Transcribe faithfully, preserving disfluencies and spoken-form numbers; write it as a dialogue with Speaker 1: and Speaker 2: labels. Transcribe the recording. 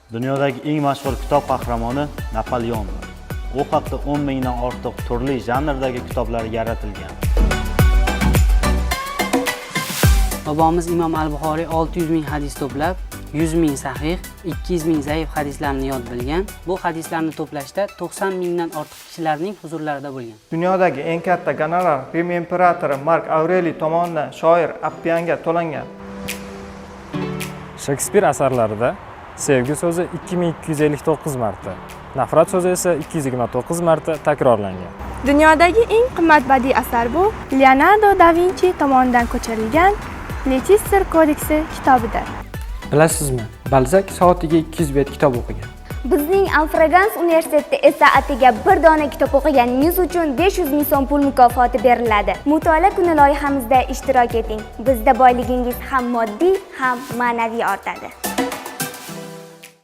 Speaker 1: Dunyodagi eng mashhur kitob qahramoni Napoleondir. U haqda o'n mingdan ortiq turli janrdagi kitoblar yaratilgan.
Speaker 2: Bobomiz Imom al-Buxoriy olti yuz ming hadis to'plab, yuz ming sahih, ikki yuz ming zaif hadislarni yod bilgan. Bu hadislarni to'plashda to'qson mingdan ortiq kishilarning huzurlarida bo'lgan.
Speaker 3: Dunyodagi eng katta gonorar Rim imperatori Mark Aureliy tomonidan shoir Appianga to'langan.
Speaker 4: Shekspir asarlarida sevgi so'zi ikki ming ikki yuz ellik to'qqiz marta, nafrat so'zi esa ikki yuz yigirma to'qqiz marta takrorlangan.
Speaker 5: Dunyodagi eng qimmat badiiy asar bu Leonardo da Vinci tomonidan ko'chirilgan Leicester kodeksi kitobidir.
Speaker 6: Bilasizmi, Balzak soatiga ikki yuz bet kitob o'qigan.
Speaker 7: Bizning Alfraganz universitetida esa atigi bir dona kitob o'qiganingiz uchun besh yuz ming so'm pul mukofoti beriladi. Mutolaa kuni loyihamizda ishtirok eting. Bizda boyligingiz ham moddiy, ham ma'naviy ortadi.